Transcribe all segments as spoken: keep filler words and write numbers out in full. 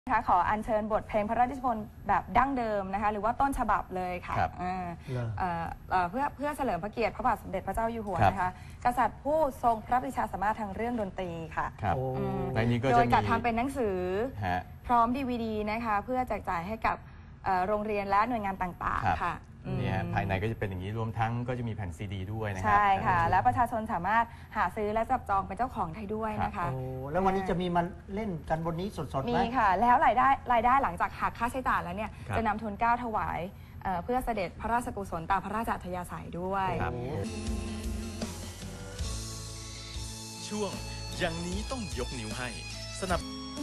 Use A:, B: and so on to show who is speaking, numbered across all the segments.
A: นะคะขออัญเชิญบทเพลงพระราชนิพนธ์แบบดั้งเดิมนะคะหรือว่าต้นฉบับเลยค่ะเพื่อเพื่อเฉลิมพระเกียรติพระบาทสมเด็จพระเจ้าอยู่หัวนะคะกษัตริย์ผู้ทรงพระปรีชาสามารถทางเรื่องดนตรีค่ะโดยจัดทำเป็นหนังสือพร้อมดีวีดีนะคะเพื่อแจกจ่ายให้กับโรงเรียนและหน่วยงานต่างๆค่ะ
B: นี่ฮะภายในก็จะเป็นอย่างนี้รวมทั้งก็จะมีแผ่นซีดีด้วยนะครับ
A: ใช่ค่ะและประชาชนสามารถหาซื้อและจับจองเป็นเจ้าของได้ด้วยนะคะ
C: โอ้แล้ววันนี้จะมีมันเล่นกันบนนี้สดๆไหม
A: มีค่ะแล้วรายได้รายได้หลังจากหักค่าใช้จ่ายแล้วเนี่ยจะนำทุนเกล้าถวายเพื่อเสด็จพระราชกุศลตามพระราชอัธยาศัยด้วย
D: ช่วงอย่างนี้ต้องยกนิ้วให้สนับ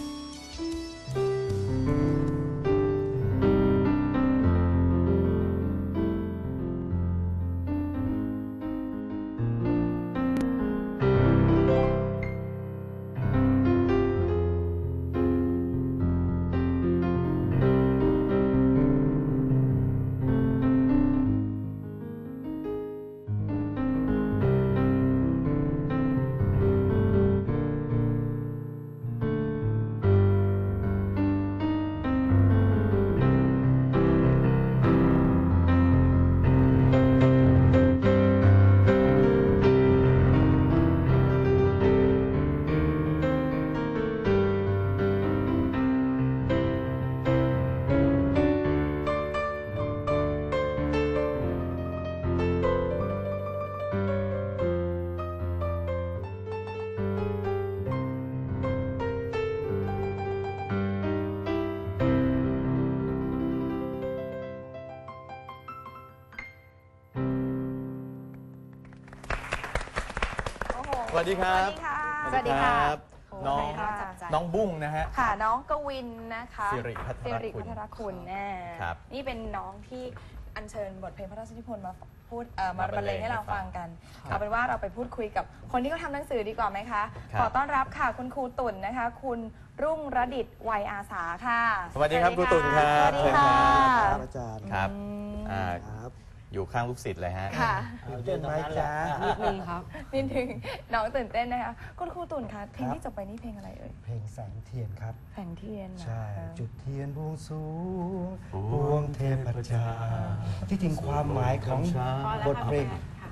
B: สวัสดีครับ
A: สวัสดีค่ะ
B: น้องน้องบุ้งนะฮะ
A: ค่ะน้องกวินนะคะ
B: สิริพัทรคุณ
A: คุณแน่นี่เป็นน้องที่อัญเชิญบทเพลงพระราชนิพนธ์มาพูดมาบรรเลงให้เราฟังกันเอาเป็นว่าเราไปพูดคุยกับคนที่เขาทำหนังสือดีกว่าไหมคะขอต้อนรับค่ะคุณครูตุ่นนะคะคุณรุ่งระดิษฐ์วัยอาสาค่ะ
B: สวัสดีครับครูตุ่นครับ
A: สวัสดีค่ะ
C: อาจารย์
B: ครับอยู่ข้างลูกศิษย์เลยฮะ
A: ค่ะ
C: ตื่นเต้นไหมจ๊ะ
A: นิดนึงครับนิดนึงน้องตื่นเต้นนะคะคุณครูตุ่นคะเพลงที่จบไปนี่เพลงอะไรเอ่ย
C: เพลงแสงเทียนครับ
A: แสงเทียน
C: ใช่จุดเทียนบวงสูงบวงเทพเจ้าที่จริงความหมายของบทเพลง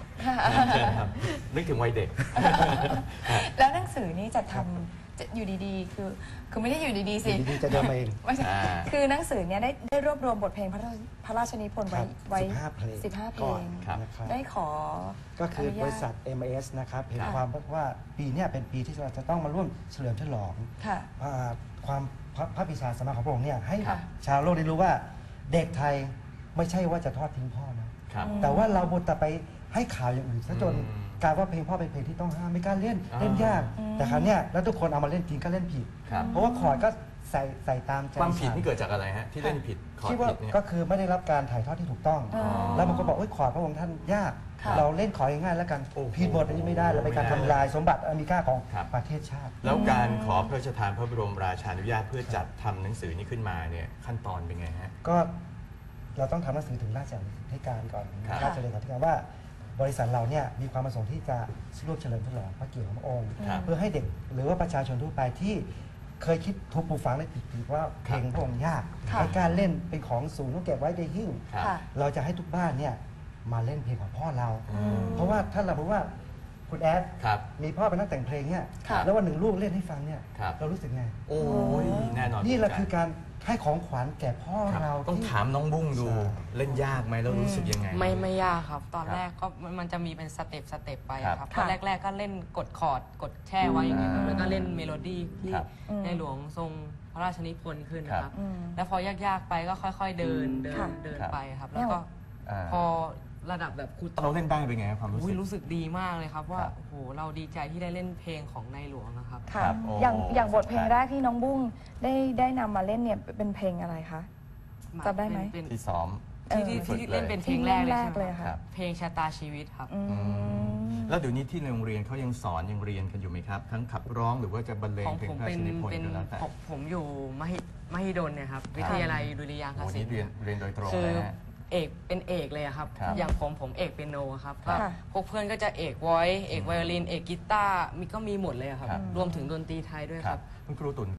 B: นึกถึงวัยเด็ก
A: แล้วหนังสือนี้จะทำอยู่ดีๆคือคือไม่ได้อยู่ดีๆสิ
C: ดีๆจะเดินมาเอง
A: ไม่ใช่คือหนังสือเนี้ยได้ได้รวบรวมบทเพลงพระพระราชนิพนธ์ไว้ไว้สิบห้าเพลงได้ขอ
C: ก็คือบริษัท เอ็ม เอส นะครับเห็นความว่าปีนี้เป็นปีที่เราจะต้องมาร่วมเฉลิมฉลองความพระปรีชาสามารถของพระองค์เนี่ยให้ชาวโลกได้รู้ว่าเด็กไทยไม่ใช่ว่าจะทอดทิ้งพ่อนะแต่ว่าเราบทแต่ไปให้ข่าวอย่างอื่นซะจนกลายว่าเพลงพ่อเป็นเพลงที่ต้องห้ามไม่กล้าเล่นเล่นยากแต่ครั้งนี้แล้วทุกคนเอามาเล่นจริงก็เล่นผิดเพราะว่าคอร์ดก็ใส่ใส่ตามใจ
B: ความผิดที่เกิดจากอะไรฮะที่เล่นผิดคอร์ดผิด
C: เนี่ยก็คือไม่ได้รับการถ่ายทอดที่ถูกต้องแล้วบางคนบอกว่าคอร์ดพระองค์ท่านยากเราเล่นคอร์ดง่ายๆแล้วกันผิดบทอันนี้ไม่ได้เราเป็นการทำลายสมบัติอันมีค่าของประเทศชาติ
B: แล้วการขอพระราชทานพระบรมราชานุญาตเพื่อจัดทำหนังสือนี้ขึ้นมาเนี่ยขั้นตอนเป็นไงฮะ
C: ก็เราต้องทำหนังสือถึงราชเลขาธิการก่อนราชเลขาธิการว่าบริษัทเราเนี่ยมีความประสงค์ที่จะร่วมเฉลิมฉลองพระเกียรติของพระองค์เพื่อให้เด็กหรือว่าประชาชนทั่วไปที่เคยคิดทุกปลูกฝังในผิดๆว่าเพลงพระองค์ยากในการเล่นเป็นของสูงต้องเก็บไว้ในหิ้งเราจะให้ทุกบ้านเนี่ยมาเล่นเพลงของพ่อเราเพราะว่าถ้าเราบอกว่าคุณแอดมีพ่อเป็นนักแต่งเพลงเนี่ยแล้ววันหนึ่งลูกเล่นให้ฟังเนี่ยเรารู้สึกไง
B: โอ้ยแน่นอน
C: นี่แหละคือการให้ของขวัญแก่พ่อเรา
B: ต้องถามน้องบุ้งดูเล่นยากไหมแล้วรู้สึกยังไง
E: ไม่ไม่ยากครับตอนแรกก็มันจะมีเป็นสเต็ปสเต็ปไปครับตอนแรกๆก็เล่นกดคอร์ดกดแช่ไว้อย่างเงี้ยแล้วก็เล่นเมโลดี้ที่ในหลวงทรงพระราชนิพนธ์ขึ้นนะครับแล้วพอยากๆไปก็ค่อยๆเดินเดินเดินไปครับแล้วก็พอระดับแบบครู
B: เราเล่นได้เป็นไงความรู้สึก
E: รู้สึกดีมากเลยครับว่าโอ้โหเราดีใจที่ได้เล่นเพลงของในหลวงนะครับ
A: ค่ะอย่างอย่างบทเพลงแรกที่น้องบุ้งได้ได้นำมาเล่นเนี่ยเป็นเพลงอะไรคะจำได้ไหม
B: ที่ซ้อม
E: ที่ที่เล่นเป็นเพลงแรกเลยค่ะเพลงชะตาชีวิตครับ
B: แล้วเดี๋ยวนี้ที่ในโรงเรียนเขายังสอนยังเรียนกันอยู่ไหมครับทั้งขับร้องหรือว่าจะบรรเลงเพลงพระราชนิพนธ์ก็แล้วแต่
E: ผมอยู่มหิมหิดลเนี่ยครับวิทยาลัยดุริยางคศิลป์
B: เรียนเรียนโดยตรง
E: นะฮะเอกเป็นเอกเลยครับอย่างผมผมเอกเปียโนครับพวกเพื่อนก็จะเอกวอยซ์เอกไวโอลินเอกกีตาร์มีก็มีหมดเลยครับรวมถึงดนตรีไทยด้วยครับ
B: คุณครูตุ่น